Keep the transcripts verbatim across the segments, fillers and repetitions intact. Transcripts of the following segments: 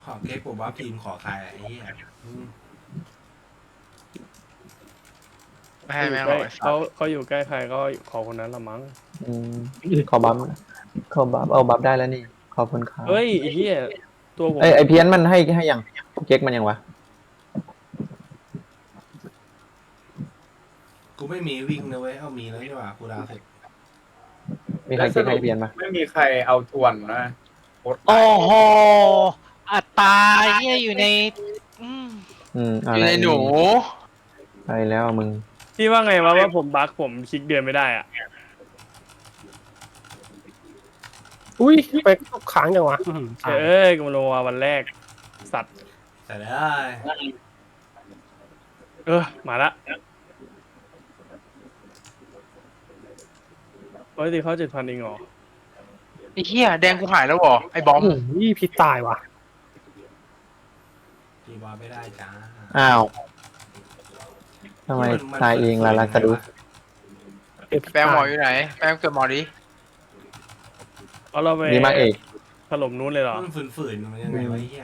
ขอเก๊กผมว่าพิมพ์ขอใครไอ้เหี้ยไม่ให้แม่งหรอกไอ้สัเขาตว์เขาอยู่ใกล้ใครก็ขอคนนั้นละมั้งอืมขอบัฟขอบัฟเอาบัฟได้แล้วนี่ขอบคุณครับเฮ้ยไอ้เหี้ยตัวผมเอ้ยไอเพี้ยนมันให้ให้ยังเก๊กมันยังวะกูไม่มีวิ่งนะเว้ยเอามีแล้วนี่หว่ากูดาวเสร็จมีใครเก๊กให้เพี้ยนปะไม่มีใครเอาทวนนะโคตรโอ้โหอัตราเฮียอยู่ในอืมอืมออะไรยู่ในหนูไปแล้วมึงพี่ว่าไงวะว่าผมบั๊กผมคลิกเดือนไม่ได้อ่ะอุ้ยไปตกค้างจังวะเอ้ยกูมาลงมาวันแรกสัตว์ใส่ได้เออมาละปกติเขาเจ็ดพันเองเหรอไอ้เฮียแดงกูหายแล้วเหรอไอ้บอมอุ้ยพิษตายว่ะตีบอลไม่ได้จ้าอ้าวทำไมตายเองล่ะลาซาดุสเอพิษแปลงหมอตายอยู่ไหนแปลงเกิดหมอดิเอาเราไปดีมากเอกถล่มนู้นเลยเหรอมันฝืนๆมันยังไงวะไอ้เหี้ย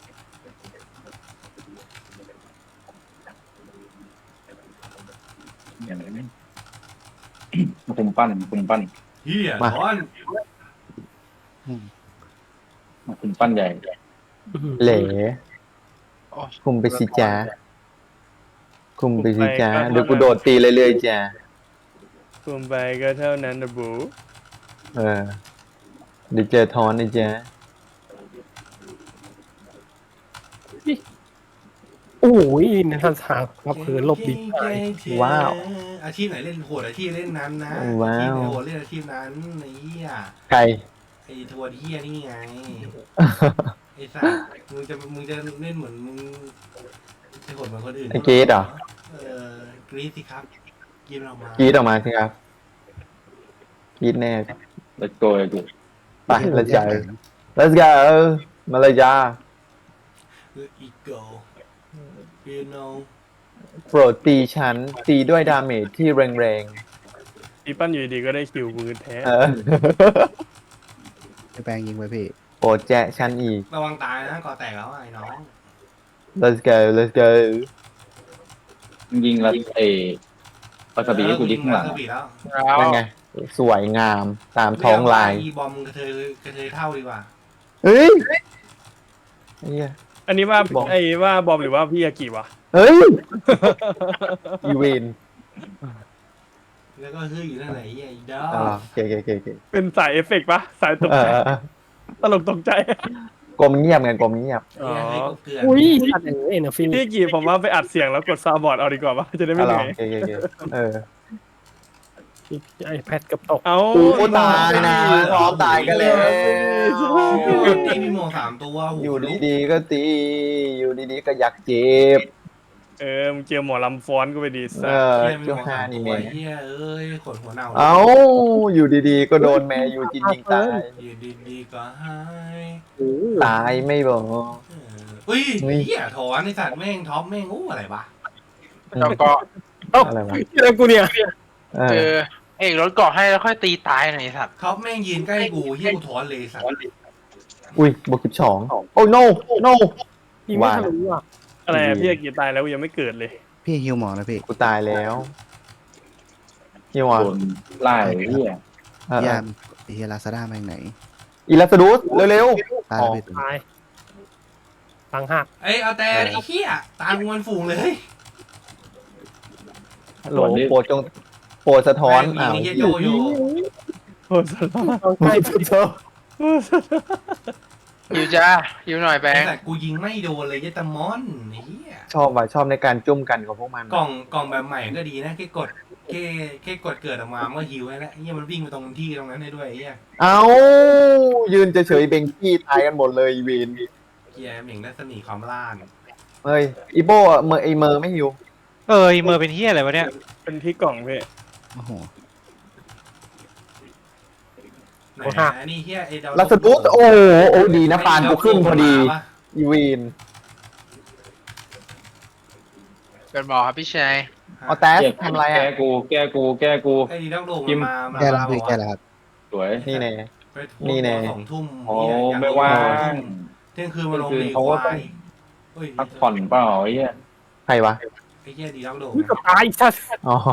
อย่างไรมาคุมปั้นมาคุมปั้นเหี้ยถอนมาคุมปั้นใหญ่เหล่โอ้คุมไปสิจ้าคุมไปสิจ้าเดี๋ยวกูโดดตีเรื่อยๆจ้าคุมไปก็เท่านั้นนะบูเออเดี๋ยวเจอทอนนะจ้าโอ้ยนันทศาครับคือลบดิบหายว้าวอาชีพไหนเล่นโหดอาชีพเล่นนั้นนะว้าวอาชีพไหนโหดเล่นอาชีพนั้นไอ้เหี้ยใครไอ้ทัวร์เหี้ยนี่ไงไอ้สัสมึงจะมึงจะเล่นเหมือนมึงจะโหดเหมือนคนอื่นไอ้เกรดเหรอเออกรีดสิครับกินออกมากรีดออกมาสิครับกรีดแน่แล้วโกยกูไป let's go let's go มาเลยจ้าคืออีโก้ you know โปรดตีฉันตีด้วยดาเมจที่แรงอีปั้นอยู่ดีก็ได้คิวมือแท้ๆเออให้แปลงยิงไปพี่โปรดแจะฉันอีกระวังตายนะก่อแตกแล้วไอ้น้อง let's go let's go ยิงแล้วเอปัสบีให้กูยิงข้างหลังเออกูยิงวาซาบิแล้วแล้วนั่นไง สวยงามตามท้องลายอีบอมกระเทยกระเทยเท่าดีกว่าเฮ้ยเฮ้ยอันนี้ว่าบอมไอ้ว่าบอมหรือว่าพี่ยากิวะเฮ้ยอีเวนแล้วก็ฮืออยู่นั่นไหนไอ้ดออ๋อโอเคโอเคโอเคโอเคเป็นสายเอฟเฟกต์ปะสายตกเอใจอตลกตกใจกลมเงียบไงกลมเงียบอ๋อให้กูเกลือนอุ้ยอัดอย่างนี้นะฟินพี่กี่ผมว่าไปอัดเสียงแล้วกดซาวด์บอร์ดเอาดีกว่าปะจะได้ไม่อ๋อเหนื่อยโอเคโอเคโอเคเออไอแพดกับตกเอากูตายนะพร้อมตายกันแล้วตีมีโมสามตัวโโหอยู่ดีๆก็ตี อยู่ดีๆก็อยากเจ็บเออมึงเจอหมอลำฟ้อนก็ไปดีเอสัสอเฮียมีเจ้าโมฮาสามนี่ตัวแม่เฮียเอ้ยขนหัวเน่าเอ้าอยู่ดีๆ ก็โดนแม่อยู่จินยิงตายอยู่ดีๆก็หายตายไม่บอกเอออุ้ยเฮ้ยเฮียถอนไอ้สัตว์แม่งท็อปแม่งอู้อะไรวะแล้วก็เอ้าอะไรวะแล้วกูเนี่ยเอเจออเอกรถเกาะให้แล้วค่อยตีตายหน่อยไอ้สัตว์ท็อปแม่งยืนใกล้กูเฮียกูถอนเลยสัตว์อุ้ยบวกสิบสองโอ้ no no ยิงไม่ทะลุอ่ะอะไรอะพี่ยากิตายแล้วกูยังไม่เกิดเลยพี่ฮิวหมอนะพี่กูตายแล้วนี่หวะโดนไล่เฮียเออยามไอ้เฮียลาซาด้าแม่งไหนอีลัสดูสเร็วตายอ๋อแล้วพี่ตัวตายตังหักเอ้ยเอาแต่ไอ้เฮียตามงวนฝูงเลยๆฮัลโหลโปรดจงโปรดสะท้อนแม่อ้าง วมีเฮียโยโย่โอ้สลอดต้องใกล้สุดเธอหิวจ้าหิวหน่อยแปลไอ้งสัตว์กูยิงไม่โดนเลยเหี้ยตะมอนไอ้เฮียชอบว่ะชอบในการจุ่มกันของพวกมันกล่องกล่องแบบใหม่ก็ดีนะแค่กดแค่แค่กดเกิดออกมามันก็ฮิวให้แล้วเฮียมันวิ่งไปตรงที่ตรงนั้นได้ด้วยไอ้เฮียเอ้ายืนเฉยๆเบงกี้ตายกันหมดเลยอีเวนเฮียเหม่งรัศมีความล่านเฮ้ยอีโบอะเมอร์ไอเมอร์ไม่หิวเออเมอร์เป็นเฮียอะไรวะเนี่ยเป็นที่กล่องพี่โอ้โหไหนนะอันนี้เฮียไอ้ดาวลัสดูสโอ้โหโอ้ดีนะปานกูขึ้นพอดีอีเวนเกิดหมอครับพี่ชายเอาแตสทำอะไรแก้อ่ะกู แก้กู แก้กูไอ้ดีดักโลมพิมพ์มามาแก้แล้วมาพี่บอกแก้ว่าแล้วครับสวยนี่แน่ไปโพสต์นี่แน่สองทุ่มโอ้เหี้ยอยกไม่ว่างทุ่มเที่ยงคืนมาลงเที่ยงคืดีนคเขาก็วาต้องยเฮ้ยพักผ่อนเปล่าไอ้เหี้ยใครวะไอ้เหี้ยดีด็อกโดอุ้ยเกับตายชัดอ๋อ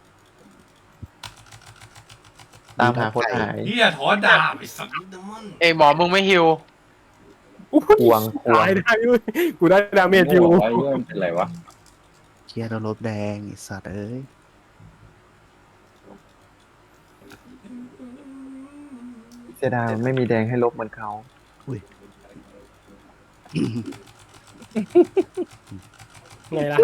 ตามหาคนหายเหี้ยถอนดาบไอ้สัตว์นี่มันเอ้ยหมอมึงไม่ฮิวอุ้ยควงควงตายได้ด้วยกูได้ดาเมจอยู่โง่ไอ้เหี้ยมันเป็นไรวะเคลียร์แล้วลบแดงไอ้สัตว์เอ้ยเสียดายไม่มีแดงให้ลบเหมือนเขาไงล่ะ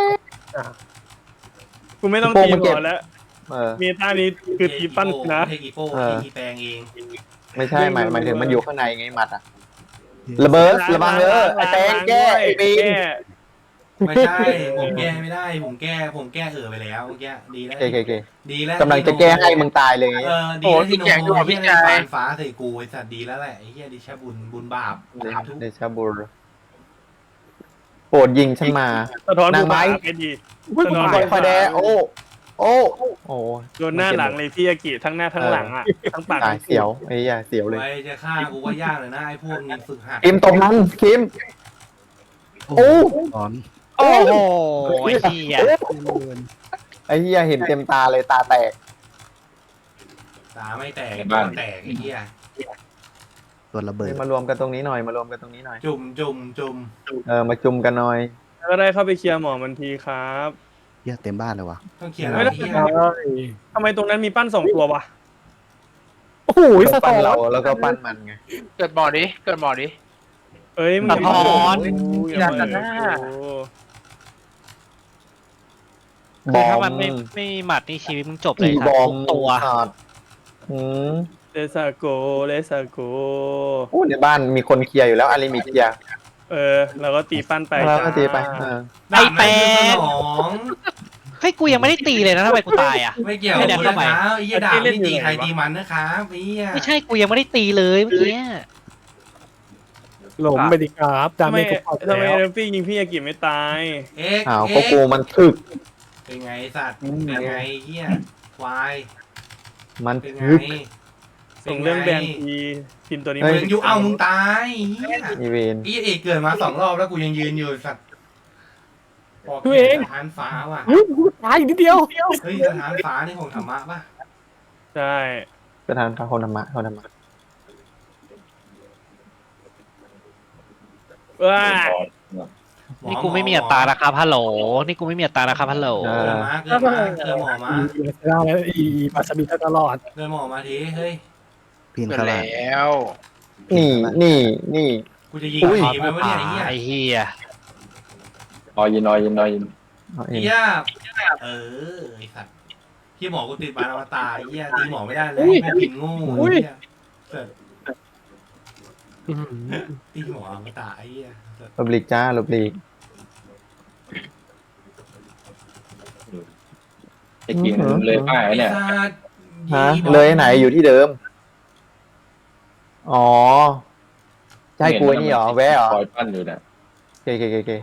กูไม่ต้องโป้ตีมันหมเก็บอแล้วเออเมตานี้คือตีปั้นนะเทกีโป้เออเทกีแปลงเองไม่ใช่หมายหมายถึงมันอยู่ข้างในไงหมัดอะ ระเบิดระวังเด้อไอ้แตงแก้ไอ้ปีนแก้ไม่ใช่ ผมแก้ไม่ได้ ผมแก้ ผมแก้เออไปแล้วเมื่อกี้ดีแล้วโอเคโอเคดีแล้วกำลังจะแก้ให้มึงตายเลยไงเออ ดีแล้วที่โนโมเฮียในฟานฟ้าใส่กูไอ้สัตว์ดีแล้วแหละไอ้เฮียดิชาบุญบุญบาปบาปทุกเดชาบูรโปรดยิงฉันมาสะท้อนนางกูไม้มาไปดีอุ้ยสะกูท้อนตายคอยแดโอ้ โอ้ โอ้โดนหน้าหลังเลยพี่อากิทั้งหน้าทั้งหลังอ่ะทั้งปากตายเสียวไอ้ยาเสียวเลยไว้จะฆ่ากูว่ายากเลยนะไอ้พวกนี้ฝึกหัดคิมตรงนั้นคิม โอ้ถอนโอ้โหไอ้เหี้ยไอ้เหี้ยเห็นเต็มตาเลยตาแตกตาไม่แตกตัวแตกไอ้เหี้ยตัวระเบิดมารวมกันตรงนี้หน่อยมารวมกันตรงนี้หน่อยจุ่มจุ่มจุ่มเออมาจุ่มกันหน่อยก็ได้เข้าไปเคลียร์หมอมันทีครับเหี้ยเต็มบ้านเลยวะต้องเขียนไม่อะไรได้เหี้ยทำไมตรงนั้นมีปั้นสองตัววะโอ้โหสะปั้ท้นอนเราแล้วก็ปั้นมันไงเกิดหมอดิเกิดหมอดิเอ้ยมึงสะท้อนอย่ามาอย่าโอ้คือถ้ามันไม่ไม่มีหมัดนี่ชีวิตมึงจบเลยอีครับบอมทุกตัวขาดอืมเลสาโกเลสาโกโอ้ในบ้านมีคนเคลียร์อยู่แล้วอาริมิเคลียร์เออเราก็ตีปั้นไปแล้วก็ตีไปเออไอ้แปงสองเฮ้ยกูยังไม่ได้ตีเลยนะทำไมกูตายอ่ะไม่เกี่ยวให้กับเดี๋ยวกูเข้านะไปครับไอ้เหี้ยด่าไม่ตีใครตีมันนะครับไอ้เหี้ยไม่ใช่กูยังไม่ได้ตีเลยเมื่อกี้หลมไปดิครับดาทำเมไมจกูพอทำไมแล้วเอฟฟี่ยิงพี่อากิไม่ตายเอ็กอ้าวเอ็ก็กกูมันถึกเป็นไงสัตว์เป็นไงเหี้ยควายมันเป็นไงถึกส่งเรื่องแบนทีทีมตัวนี้เฮ้มึงอยู่เอามึงตายเหี้ยอีเวนไอ้เอกเกิดมาสองรอบแล้วกูยังยืนอยู่สัตว์บอกเสถานฟ้าว่ะอุ้ยกูตายอีกนิดเดียวเฮ้ยสถานฟ้านี่ของธรรมะป่ะใช่ประธานพระคนธรรมะคนธรรมะว้านี่กูไม่มีอัตรานะครับฮัลโหลนี่กูไม่มีอัตรานะครับฮัลโหลเกิดมาเกิดมาเกิดหมอมาได้แล้วอีปาสบิตตลอดเกิดหมอมาทีเฮ้ยปีนเกิดเข้าบ้านแล้วนี่นี่นี่กูจะยิงอุ้ยผีไปวะเนี่ยไอ้เหี้ยไอ้เหี้ยนอยยินนอยยินนอยยินเอาเอไอ้งเหี้ยเออไอ้สัตว์ที่หมอกูติดบานอวตารไอ้เหี้ยตีหมอไม่ได้เลยแม่งกินงูไอ้เหี้ยเสร็จอื้อหือตีหมออวตารไอ้เหี้ยเสร็จลบหลีกจ้าลบหลีกไอ้กินเลยป้ายไอ้เนี่ยสัตว์ฮะอีบอเลยไหนอยู่ที่เดิม อ๋อใช่กูไอ้นี่เหรอแวะเหรอคอยปั้นอยู่เนี่ยโอเคโอเคโอเค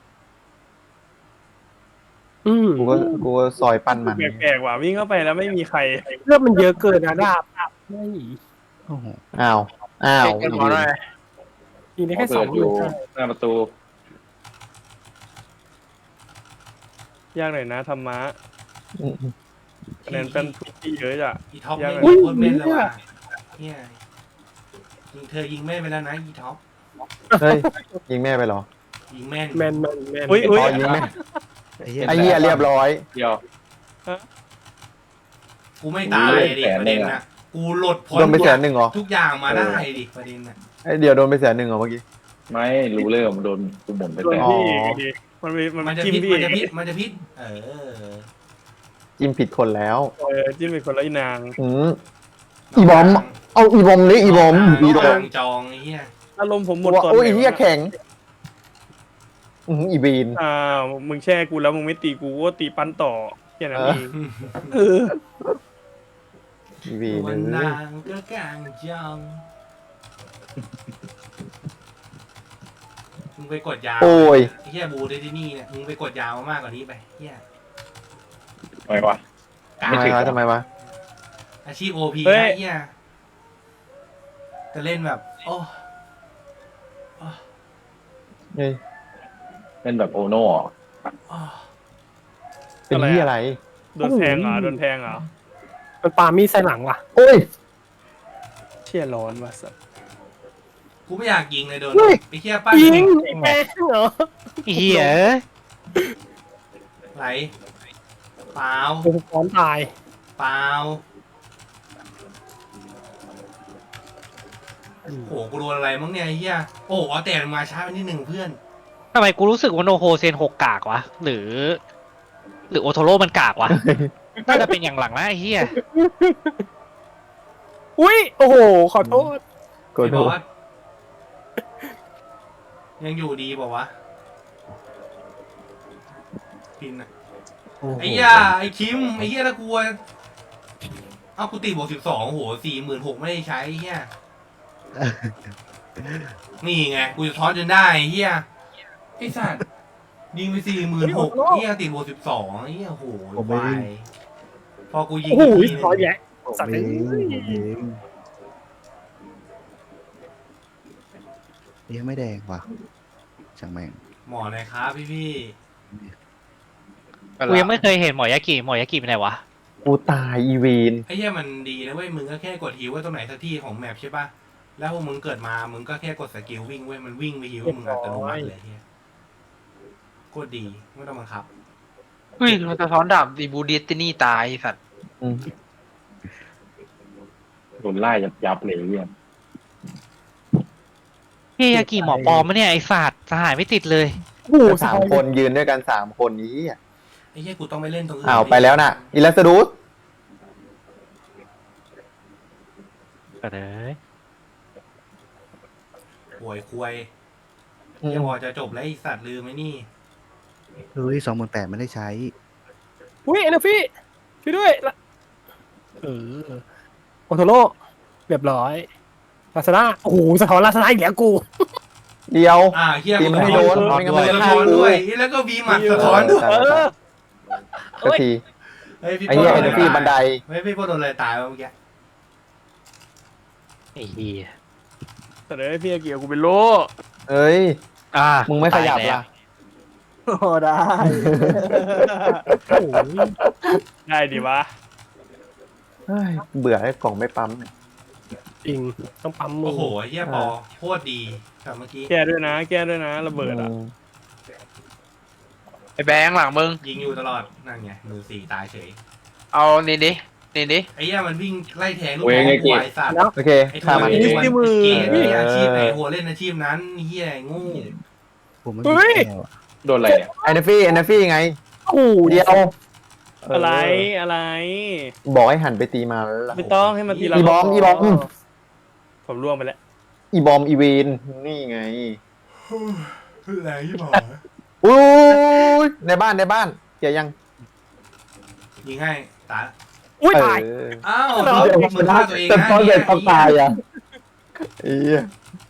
อืมกูก็กูก็ซอยปั้นมันแปลกๆว่ะวิ่งเข้าไปแล้วไม่มีใครเลือดมันเยอะเกินนะดาบไม่โอ้โหอ้าวอ้าวเกิดหมอหน่อยทีนี้เขาแค่สเปิองดหอมื่ยู่นหน้าประตูยากหน่อยนะธรรมะอืมคะแนนเป็นทุกที่เยอะจ้ะอีท็อปยังไม่งโคตรแม่นเลยว่ะเนี่ยยิงเธอยิงแม่นไปแล้วนะอีท็อปเฮ้ยยิงแม่ไปเหรอยิงแม่นแมนแมนแมนอุ้ยอุ้ยอ๋อยิงแม่ไอ้เหี้ยไอ้เหี้ยเรียบร้อยเดียวกูไม่ตายเลยดิประเด็นนะกูหลดพ้นโดนไปแสนหนึ่งเหรอทุกอย่างมาได้ดิประเด็นน่ะไอ้เดี๋ยวโดนไปแสนหนึ่งเหรอเมื่อกี้ไม่รู้เรื่องมันโดนกูหมุนไปโดนแต่อ๋อพี่อีกดิมันมีมันมันจะจิ้มพิษพี่มันจะพิษมันจะพิษเออจิ้มผิดคนแล้วเออจิ้มเป็นคนละอีนางอืมอีบอม เอาอีบอมเลยอีบอมอีอีบบออมมจองไอ้เหี้ยอารมณ์ผมหมบอดกว่าก่อนโอ้ยไหนเหี้ยวะแข็งอืออีบีนอ้าวมึงแช่กูแล้วมึงไม่ตีกูก็ตีปั้นต่อแค่นั้นเองเอออีบีนวันเอนาองก็กลางจองมึงไปกดยาวโอ้ยไอ้เหี้ยบูได้ที่นี่เนี่ยมึงไปกดยาวมากกว่านี้ไปเหี้ยทำไมวะกลาทำงไมวะทำไมวะอาชีพโอพีนะไอ้เหี้ยจะเล่นแบบ โอ้เฮ้ยเป็นแบบโอโน่เหรออ้อเป็นที่อะไรโดนแทงเหรอโดนแทงเหรอมันปามีดใส่หลังว่ะโอ้ยเชี่ยร้อนว่ะสัสกูไม่อยากยิงเลยโดนเฮ้ยไอ้เหี้ยปั้นยิงไอ้แม่งเหรอเฮียไหลเปล่าโอ้โหพร้อมตายเปล่าโอ้โหกูโดนอะไรมั้งเนี่ยไอ้เหี้ยโอ้โหเอาแต่มาช้าไปนิดหนึ่งเพื่อนทำไมกูรู้สึกว่าโนโฮเซนหกกากวะ หรือ หรือโอโทโร่มันกากวะ น่าจะเป็นอย่างหลังนะไอ้เฮียอุ้ยโอ้โหขอโทษกดพี่โดบอกนว่ายังอยู่ดีบอกว่าวะพินอะโอ้โหไอ้เหี้ยไอ้คิมไอ้เหี้ยละกลัวเอากูตีบวกสิบสองโอ้โหสี่หมื่นหกไม่ได้ใช้ไอ้เหี้ยนี่ไงกูจะท้อนจนได้ไอ้เหี้ยไอ้สัตว์ยิงไปสี่หมื่นหกเหี้ยตีบวกสิบสองไอ้เหี้ยโอ้โหวายพอกูยิงโอ้โหอีกทีหขอนึงแยะผมสัตว์เอเอ้งยผมเองยังไม่แดงว่ะช่างแม่งหมอหน่อยครับพี่พี่กูยังไม่เคยเห็นหมอยากิหมอยากิเป็นไหนวะกูตายอีวีนไอ้เหี้ยมันดีนะเว้ยมึงก็แค่กดฮิวไว้ตรงไหนสักที่ของแมปใช่ปะแล้วพอมึงเกิดมามึงก็แค่กดสกิลวิ่งเว้ยมันวิ่งไปฮิวมึงอัตโนมัติเลยเฮียโคตรดีไม่ต้องบังคับเฮ้ยเราจะท้อนดาบดีบูเดตินี่ตายไอ้สัตว์อืมโดนไล่ยับยับเลยเนี่ยเฮียยากิหมอปลอมมะเนี่ยไอสัตว์สหายไม่ติดเลยโอ้โหสามคนยืนด้วยกันสามคนนี้อ่ะไอ้เหี้ยกูต้องไปเล่นตรงอื่นอ้าวไปแล้วน่ะอิลัสดูสก็เลยป่วยควยเหี้ยพอจะจบแล้วไอ้สัตว์ลืมไหมนี่เฮ้ยสองหมื่นแปดไม่ได้ใช้อุ้ยเอเนฟี่ช่วยด้วยละเออโอโทโร่เรียบร้อยลาซาด้าโอ้โหสะท้อนลาซาด้าอีกแล้วกูเดียวอ่าเฮียตีมันให้โดนไม่งั้นมันจะสะฆ่าท้อนกูด้วยแล้วก็วีหมัดสะท้อนด้วยเออสักทีเฮ้ยพี่ไอ้เหี้ยโป้เอเนฟี่บันไดเฮ้ยพี่โป้โดนอะไรตายวะเมื่อกี้ไอ้เฮียแต่เดี๋ยวพี่อาเกียกูเป็นโลเอ้ยอ่ามึงไม่ขยับตาแล้วล่ะโอ้ได้โอ้โหได้ดิวะเฮ้ยเบื่อให้กล่องไม่ปั๊มเนี่ยจริงต้องปั๊มมืโอ้อโหเฮียปอโคตรดีแต่เมื่อกี้แก้ด้วยนะ แก้ด้วยนะระเบิดอ่ะไอ้แบงค์หลังมึงยิงอยู่ตลอดนั่นไงมือสี่ตายเฉยเอานี่ดินี่ดิไอ้เหี้ยมันวิ่งไล่แทงลูกน้องกูไอ้สัตว์โอเคไอ้ฆ่าทำมันไอ้ดิตัวเกย์ไอ้อาชีพไหนหัวเล่นอาชีพนั้นเฮียไอ้โงูผมไม่มีแก้วอะโดนอะไรเนี่ยไอเนฟี่ไอเนฟี่ไงโอ้โหเดียวอะไรอะไรบอกให้หันไปตีมาแล้วล่ะไม่ต้องให้มันทีละอีบอมอีบอมผมล่วงไปแล้วอีบอมอีเวนนี่ไงแรงที่บอกอุ้ยในบ้านในบ้านเกียร์ยังยิงให้ตายอุ้ยตายเอออ้าวมึงฆ่าตัวเองแต่นะตอนเด็กต้องตายไอ่ะไอ้เหี้ย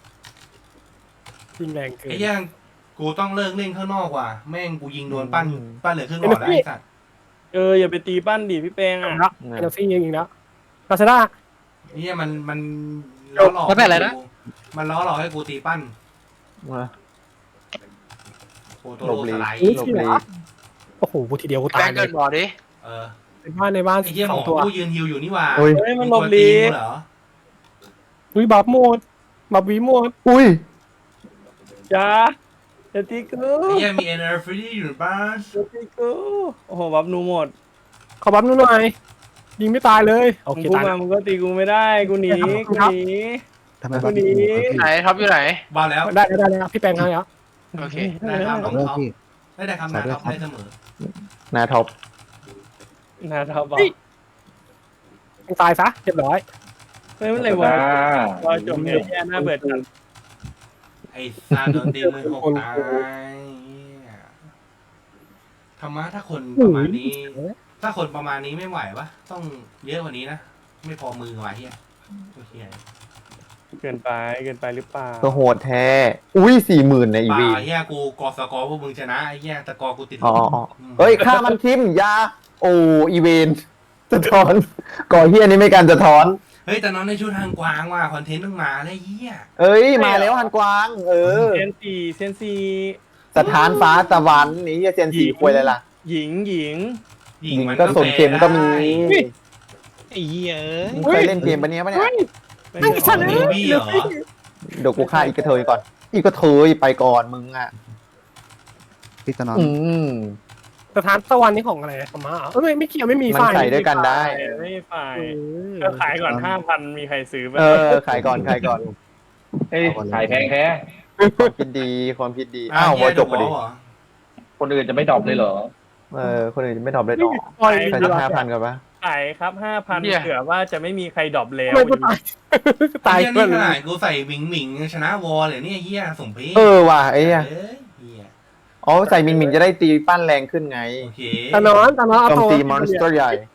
ยิงแรงเกินอ้เหี้ยกูต้องเลิกเล่นข้างนอกว่ะแม่งกูยิงโดนปั้นปั้นเหลือครึ่งหลอดแล้วไอ้สัตว์เอออย่าไปตีปั้นดิพี่แปงอ่ะแล้วเอเนฟี่ยิงอีกแล้วลาซาด้าไอ้เหี้ยมันมันล้อหลอกมันเป็นอะไรนะมันล้อหลอกให้กูตีปั้นมาโอ้ตัวหลโลบหลีสไลด์หลบหลีโอ้โหกูทีเดียวกูแบตาง ยค์เลเกิยนบ่อดิเออในบ้านในบ้านไอ้เหี้ยหสมอองตัวกูยืนฮิวอยู่นี่หว่าอุ้ยเฮ้ยมันมีหลคบนลีตีกูเหรออุ้ยบับโหมดบับวีโหมดอุ้ยจ้าอย่าตีกูไอ้เหี้ยมีเอ็นเอร์ฟรีอยู่ในบ้านอย่าตีกูโอ้โหบับนูหมดขอบับนู่นหน่อยยิงไม่ตายเลยโอมึงเคพูดตายมามึงก็ตีกูไม่ได้กูหนีกูหนีทำไมวับ้านนนี้พี่ไหนท็อปอยู่ไหนบ้าแล้วได้ได้ได้พี่แปลงให้แล้วโอเคได้ครับขอโทษพี่ได้ได้คำนะครับได้เสมอนาท็อปนาทาบอกตายซะเรียบร้อยเฮ้ยมันอะไรวะอ่ารอจบเนี่ยแย่น่าเบื่อจัดไอ้ซาโดนตีมือหกตายธรรมะถ้าคนประมาณนี้ ถ้าคนประมาณนี้ไม่ไหวปะต้องเยอะกว่านี้นะ ไม่พอมือว่ะเฮียโอเคเกินไปเกินไปหรือเปล่าก็โหดแท้ อุ้ยสี่หมื่นในอีป่าวีเฮียกูกอสกอร์พวกมึงชนะไอ้เฮียตะกอร์กูติดลอ๋อบ อ๋อเฮ้ยฆ่ามันทิมยา โอ้อีเวนสะท้อนก่อเฮียนี่ไม่การสะท้อนเฮ้ยแต่น้องในชุดทางกวางว่ะคอนเทนต์ต้องมาเลยเฮียเอ้ยมาแล้วฮันกวาง เออเซนซีเซนซีสถานฟ้าตะวันนี่เซียนสีควยเลยล่ะหญิงหญิงหญิหงญิงมันก็สนเกมก็มีไอ้เหี้ยเอ้ยมึงเคยเล่นเกมปะเนี้ยปะเนี่ยไอ้สัตว์เบเอ้ยบี้เหรอเดี๋ยวกูฆ่าอีกกระเทยก่อน อีกกระเทยไปก่อนมึงอ่ะพี่ตะนอนอืมสถานตะวันนี่ของอะไรของม้าเหรอเอ้ยไม่ไม่เกี่ยวไม่มีมันไฟใส่ด้วยกันได้ไม่ฝ่ายเออก็ขายก่อนห้าพันมีใครซื้อไหมเออ ขายก่อน ขายก่อนเฮ้ยขายแพงแท้ความคิดดี ความคิดดี อ้าววอจบพอดีเหรอคนอื่นจะไม่ดรอปเลยเหรอเออ คนอื่นจะไม่ดรอปเลยต่อปล่อยใครจะห้าพันกันปะขายครับห้าพันเหี้ยเผื่อว่าจะไม่มีใครดรอปแล้วไม่กูตายตายเฮียเพื่นี่อนขนาดกูใส่หมิงหมิงยังชนะวอลเลยเนี่ยเฮียสมเพชเออว่ะไอ้เหี้ยเอ้ยเฮียอ๋อ ใส่มิงมิงจะได้ตีปั้นแรงขึ้นไงโอเคตานอนตานอนเอาโจมตัวตีมอนสเตอร์ใหญ่